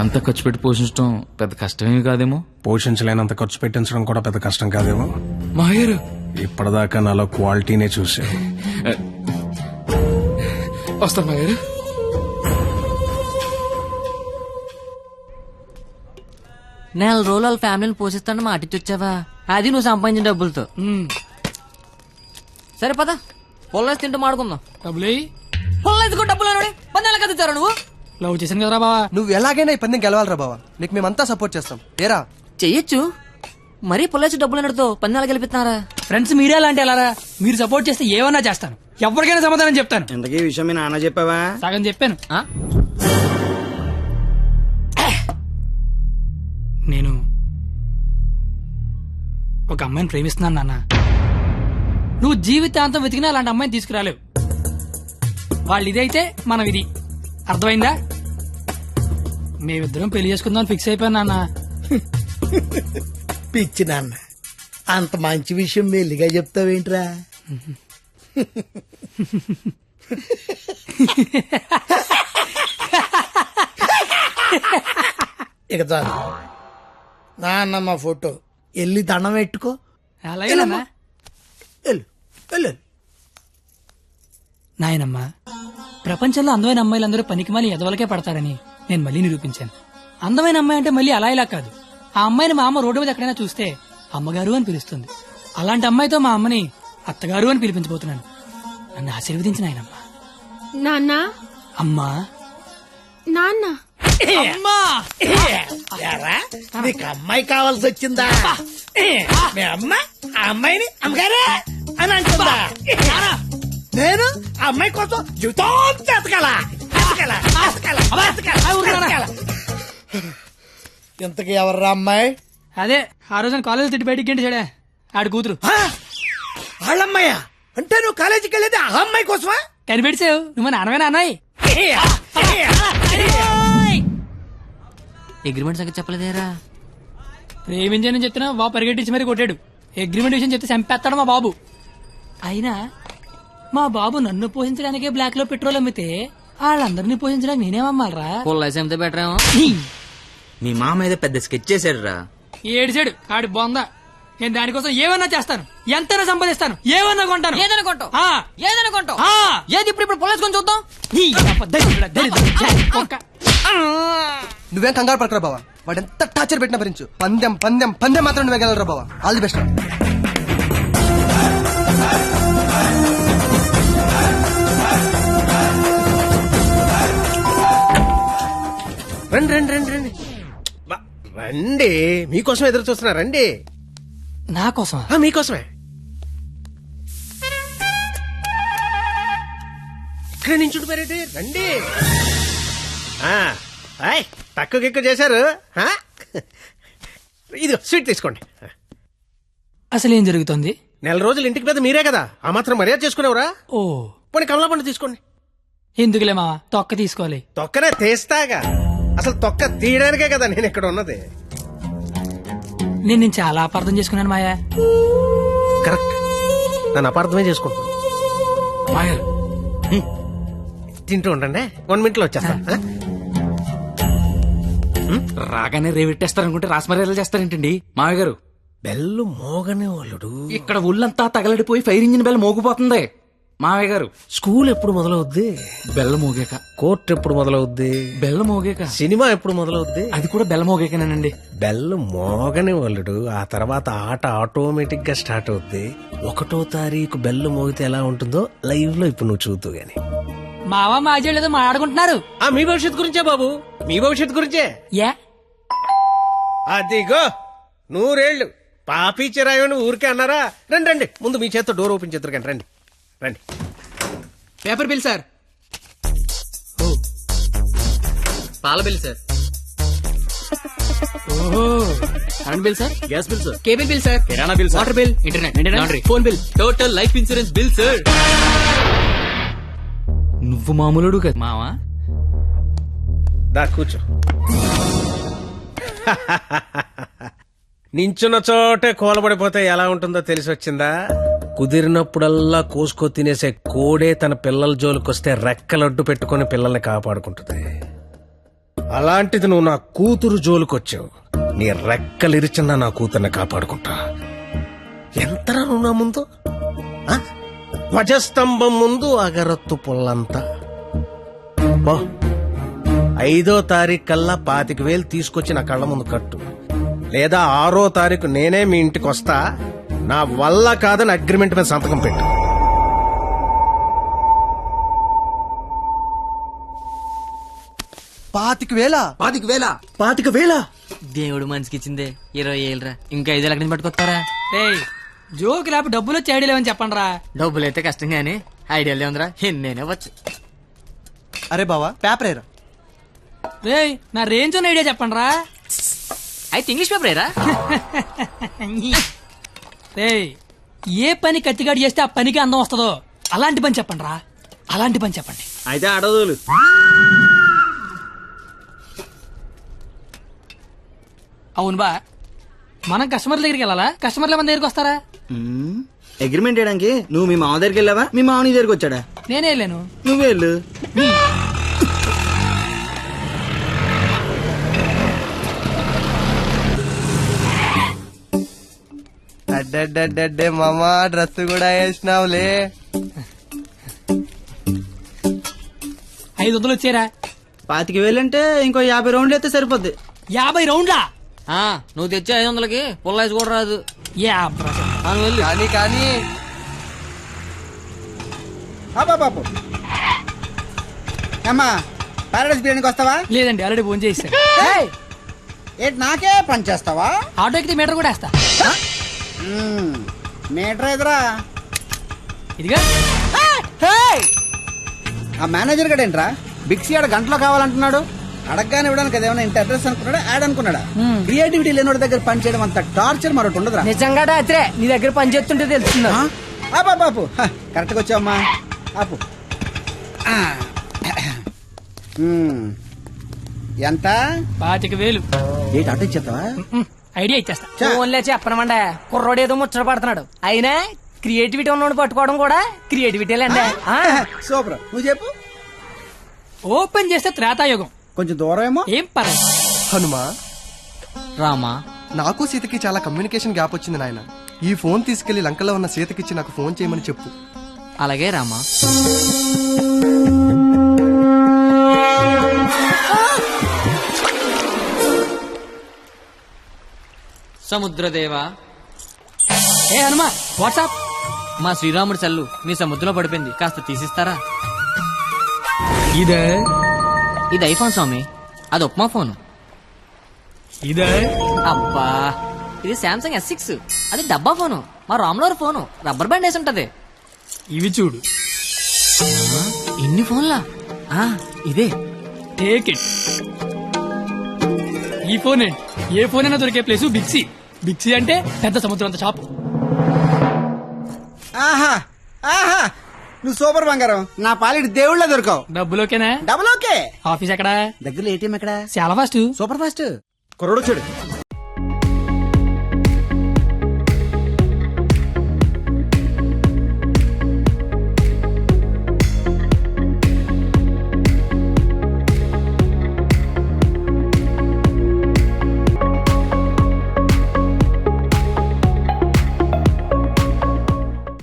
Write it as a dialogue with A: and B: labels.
A: అంతా ఖర్చు పెట్టి పోషించడం పెద్ద కష్టమేమి కాదేమో.
B: పోషించలేనంత ఖర్చు పెట్టించడం కూడా పెద్ద కష్టం కాదేమో.
A: మాయర్
B: ఇప్పటిదాకా నాలో క్వాలిటీనే చూసా.
A: వస్తాను మాయర్.
C: నెల రోజులు వాళ్ళ ఫ్యామిలీని పోషిస్తాను మాటిచ్చొచ్చావా? అది నువ్వు సంపాదించిన డబ్బులతో. సరే పద, పొల్లేసి తింటూ మాడుకుందాం.
D: డబ్బులు
C: పొల్లేసుకో డబ్బులు పన్నెల కదా ఇచ్చారా నువ్వు?
D: లవ్ చేశాను కదరా బావా.
E: నువ్వు ఎలాగైనా ఈ పందెం గెలవాలరా బావా. నీకు మేమంతా సపోర్ట్ చేస్తాం. ఏరా
C: చెయ్యొచ్చు, మరీ పొల్లేసి డబ్బులు అన్నట్టుతో పన్నెల గెలిపిస్తున్నారా?
D: ఫ్రెండ్స్ మీరే అలాంటి ఎలా? మీరు సపోర్ట్ చేస్తే ఏమన్నా చేస్తాను, ఎవరికైనా సమాధానం చెప్తాను.
F: ఇంతకీ ఈ విషయం మీ నాన్న చెప్పావా?
D: సగం చెప్పాను. నేను ఒక అమ్మాయిని ప్రేమిస్తున్నాను నాన్న. నువ్వు జీవితాంతం వెతికినా అలాంటి అమ్మాయిని తీసుకురాలేవు. వాళ్ళు ఇదైతే మనం ఇది. అర్థమైందా? మేమిద్దరం పెళ్లి చేసుకుందాం ఫిక్స్ అయిపోయాను నాన్న.
G: పిచ్చి నాన్న, అంత మంచి విషయం మెల్లిగా చెప్తావేంట్రా? ఇక చాలు నాన్న, మా ఫోటో వెళ్ళి దండం పెట్టుకో.
D: అలాగే నాన్న.
G: వెళ్ళు వెళ్ళు.
D: నాయనమ్మా, ప్రపంచంలో అందమైన అమ్మాయిలందరూ పనికిమాలి ఎదవలకే పడతారని నేను మళ్ళీ నిరూపించాను. అందమైన అమ్మాయి అంటే మళ్ళీ అలా ఇలా కాదు. ఆ అమ్మాయిని మా అమ్మ రోడ్డు మీద ఎక్కడైనా చూస్తే అమ్మగారు అని పిలుస్తుంది. అలాంటి అమ్మాయితో మా అమ్మని అత్తగారు అని పిలిపించబోతున్నాను. నన్ను ఆశీర్వదించిన ఆయనమ్మా.
H: నాన్న,
D: అమ్మా,
H: నాన్న,
D: అమ్మా.
G: ఏరా, నీకు అమ్మాయి కావాల్సి వచ్చిందా? మీ అమ్మ ఆ అమ్మాయిని అమ్మగారే అని అంటుందా? నేను ఆ అమ్మాయి కోసం జీవితం ఎతకాలా? ఇంతకీ ఎవర్రా అమ్మాయి?
D: అదే ఆ రోజున కాలేజ్ తిట్టి బయటికి గంట చెడే ఆడి కూతురు.
G: వాళ్ళమ్మాయా? అంటే నువ్వు కాలేజీకి వెళ్ళేది ఆ అమ్మాయి కోసమా?
D: కనిపెడిసావు నువ్వు మా నాన్నమే నాన్నయ్య.
C: అగ్రిమెంట్ సంగతి చెప్పలేదేరా?
D: ప్రేమించని చెప్తున్నా బాబు పరిగెట్టించి మరీ కొట్టాడు. అగ్రిమెంట్ విషయం చెప్తే చంపేస్తాడు మా బాబు. అయినా మా బాబు నన్ను పోషించడానికే బ్లాక్ లో పెట్రోల్ అమ్మితే వాళ్ళందరినీ పోషించడానికి నేనేమమ్మాలరా?
C: పొల్లేసి అమ్మితే బెటర్ ఏమో.
F: మీ మామ ఏదో పెద్ద స్కెచ్ చేశాడు రా.
D: ఏడిచాడు ఆడి బొందా. నేను దానికోసం ఏమన్నా చేస్తాను, ఎంతైనా సంపాదిస్తాను, ఏమన్నా కొంటాను.
C: ఏదైనా కొంటావు?
D: ఆ.
C: ఏదైనా కొంటావు?
D: ఆ.
C: ఏది ఇప్పుడు పొల్లేసుకొని చూద్దాం.
E: నువ్వేం కంగారు పడకరా బావా. వాడు ఎంత టార్చర్ పెట్టినా భరించు. పందెం పందెం పందెం మాత్రం నువ్వే గెలవరా బావా. All the best.
I: రండి రండి రండి రండి రండి. మీకోసం ఎదురు చూస్తున్నా. రండి.
D: నా కోసమా?
I: మీకోసమే. ఇక్కడ నుంచి ఉండిపోయారేంటి? రండి. తక్కువ ఎక్కువ చేశారు. ఇది స్వీట్ తీసుకోండి.
D: అసలు ఏం జరుగుతుంది?
I: నెల రోజులు ఇంటికి పెద్ద మీరే కదా, ఆ మాత్రం మర్యాద చేసుకునేవరా?
D: ఓ
I: పోనీ కమలా పండు తీసుకోండి.
D: ఎందుకులే మావా, తొక్క తీసుకోవాలి.
I: తొక్కనే తీస్తాగా. అసలు తొక్క తీయడానికే కదా నేను ఇక్కడ ఉన్నది.
D: నేను చాలా అపార్థం చేసుకున్నాను మాయా.
I: కరెక్ట్, నన్ను అపార్థమే చేసుకుంటాను.
A: మాయర్
I: తింటూ ఉండండి, 1 minute లో వచ్చేస్తా.
A: రాగానే రేవెట్టేస్తారనుకుంటే రాస్మర్యాలు చేస్తారేంటండి మామయ్య గారు?
I: బెల్లు మోగనే వాళ్ళుడు.
A: ఇక్కడ ఒళ్ళంతా తగలడిపోయి ఫైర్ ఇంజిన్ బెల్ మోగిపోతుంది మామయ్య గారు.
I: స్కూల్ ఎప్పుడు మొదలవుద్ది?
A: బెల్ల మోగాక.
I: కోర్టు ఎప్పుడు మొదలవుద్ది?
A: బెల్ల మోగాక.
I: సినిమా ఎప్పుడు మొదలవుద్ది?
A: అది కూడా బెల్ల మోగాకనేనండి.
I: బెల్లు మోగని వాళ్ళుడు, ఆ తర్వాత ఆట ఆటోమేటిక్ గా స్టార్ట్ అవుద్ది. 1వ తారీఖు బెల్లు మోగితే ఎలా ఉంటుందో లైవ్ లో ఇప్పుడు నువ్వు చూద్దు గాని.
D: మావా మాజీ లేదో మాట్లాడుకుంటున్నారు.
I: మీ భవిష్యత్తు గురించే బాబు, మీ భవిష్యత్తు గురించే. అదిగో 100 ఏళ్ళు పాపి చిరాయని ఊరికే అన్నారా? రండి రండి, ముందు మీ చేత్తో డోర్ ఓపెన్ చేద్దరు కానీ. రండి రండి.
D: Paper bill sir.
C: పాల bill sir. Current bill sir.
F: Gas bill sir.
D: Cable bill sir.
F: కిరాణా bill sir.
D: Water bill, internet, laundry, phone bill,
C: total life insurance bill sir.
A: నువ్వు మామూలుడు కదా
C: మావా.
I: దా కూర్చో. నించున్న చోటే కూలబడిపోతే ఎలా ఉంటుందో తెలిసి వచ్చిందా? కుదిరినప్పుడల్లా కోసుకో తినేసే కోడే తన పిల్లల జోలికొస్తే రెక్కలడ్డు పెట్టుకుని పిల్లల్ని కాపాడుకుంటుంది. అలాంటిది నువ్వు నా కూతురు జోలుకొచ్చావు. నీ రెక్కలిరిచినా నా కూతుర్ని కాపాడుకుంటా. ఎంతరా నువ్వు నా ముందు? ఆ? ధ్వజస్తంభం ముందు అగరత్తు పుల్లంతా. 5వ తారీఖు కల్లా 25,000 తీసుకొచ్చి నా కళ్ళ ముందు కట్టు, లేదా 6వ తారీఖు నేనే మీ ఇంటికి వస్తా. నా వల్ల కాదని అగ్రిమెంట్ మీద సంతకం పెట్టు.
E: పాతిక వేల
C: దేవుడు మనిషికి ఇచ్చిందే 20,000 రా. ఇంకా 5,000 ఎక్కడి నుంచి పట్టుకొస్తారా?
D: ఏయ్ జోక్ లేకపోతే డబ్బులు వచ్చి ఐడియా లేవని చెప్పండి రా.
C: డబ్బులు అయితే కష్టం గానీ ఐడియాలే ఉందిరా. నేనే వచ్చు.
E: అరే బావా పేపర్ ఏరా.
D: రేయ్ నా రేంజ్ ఉన్న ఐడియా చెప్పండి రా.
C: అయితే ఇంగ్లీష్ పేపర్ ఏరా.
D: రేయ్ ఏ పని కత్తిగాడు చేస్తే ఆ పనికి అందం వస్తుందో అలాంటి పని చెప్పండి రా. అలాంటి పని చెప్పండి.
F: అయితే అడదులు.
D: అవును బా, మనం కస్టమర్ల దగ్గరికి వెళ్ళాలా, కస్టమర్ల మన దగ్గరికి వస్తారా?
F: అగ్రిమెంట్ చేయడానికి నువ్వు మీ మామ దగ్గరికి వెళ్ళావా, మీ మామ నీ దగ్గరికి వచ్చాడా?
D: నేనే వెళ్ళాను.
F: నువ్వే వెళ్ళు.
E: అడ్డే మామా డ్రెస్ కూడా వేసినావులే.
D: 500 వచ్చారా?
F: 25,000 అంటే ఇంకో 50 రౌండ్లు అయితే సరిపోద్ది.
D: 50 రౌండ్లా?
C: నువ్వు తెచ్చే 500కి పుల్లాయిస్ కూడా రాదు.
D: నువ్వు వెళ్ళు.
E: కానీ
G: బాబు అమ్మా పారాడైస్ బిర్యానీకి వస్తావా?
D: లేదండి ఆల్రెడీ ఫోన్ చేశాను.
G: ఏంటి నాకే పని చేస్తావా?
D: ఆటో ఎక్కితే మీటర్ కూడా వేస్తా.
G: మీటర్ ఎదురా.
D: ఇదిగా
G: ఆ మేనేజర్ గడు ఏంట్రా బిక్సీ ఆడ గంటలో కావాలంటున్నాడు. అడగగానే ఇవ్వడానికి అదేమన్నా ఇంత అడ్రస్ అనుకున్నాడా, యాడ్ అనుకున్నాడా? క్రియేటివిటీ లేనివాడి దగ్గర పని చేయడం అంత టార్చర్ మరొకటి ఉండదురా.
C: నిజంగా రాత్రే నీ దగ్గర పని చేస్తుంటే తెలుస్తుందా?
G: బాపు కరెక్ట్గా వచ్చావమ్మా. ఆపు. ఎంత?
D: 25,000.
G: ఏంటి అటు ఇచ్చేస్తావా?
D: ఐడియా ఇచ్చేస్తా.
C: ఫోన్లే చెప్పనమండే. కుర్రోడు ఏదో ముచ్చట పడుతున్నాడు. అయినా క్రియేటివిటీ ఉన్నోడు పట్టుకోవడం కూడా క్రియేటివిటీలేండి.
G: సూపర్. నువ్వు చెప్పు.
D: ఓపెన్ చేస్తే త్రేతాయుగం.
G: కొంచెం దూరం ఏమో.
D: ఏం పర్లేదు.
E: హనుమా
C: రామా,
E: నాకు సీతకి చాలా కమ్యూనికేషన్ గ్యాప్ వచ్చింది నాయన. ఈ ఫోన్ తీసుకెళ్లి లంకలో ఉన్న సీతకిచ్చి నాకు ఫోన్ చేయమని చెప్పు.
C: అలాగే రామా. సముద్రదేవా.
D: ఏ హనుమా వాట్సాప్.
C: మా శ్రీరాముడి చల్లు మీ సముద్రంలో పడిపోయింది, కాస్త తీసిస్తారా?
D: ఇదే
C: ఇది ఐఫోన్ స్వామి, అది ఉప్మా ఫోను.
D: ఇదే
C: అబ్బా ఇది శాంసంగ్ S6, అది డబ్బా ఫోను. మా రామ్లోర్ ఫోను రబ్బర్ బ్యాండ్ వేసి ఉంటది.
D: ఇవి చూడు.
C: ఇన్ని ఫోన్లా? ఇదే.
D: Take it. ఈ ఫోన్ ఏంటి? ఏ ఫోన్ అయినా దొరికే ప్లేసు బిక్సీ. బిక్సీ అంటే పెద్ద సముద్రం అంత షాప్.
G: ఆహా ఆహా నువ్వు సూపర్ బంగారం. నా పాలిటి దేవుళ్ళ దొరకవు.
D: డబ్బులోకేనా?
G: Double okay.
D: ఆఫీస్ ఎక్కడ?
G: దగ్గరలో ఏటీఎం ఎక్కడ?
D: చాలా ఫాస్ట్.
G: Super fast. కుర్రోడు చూడు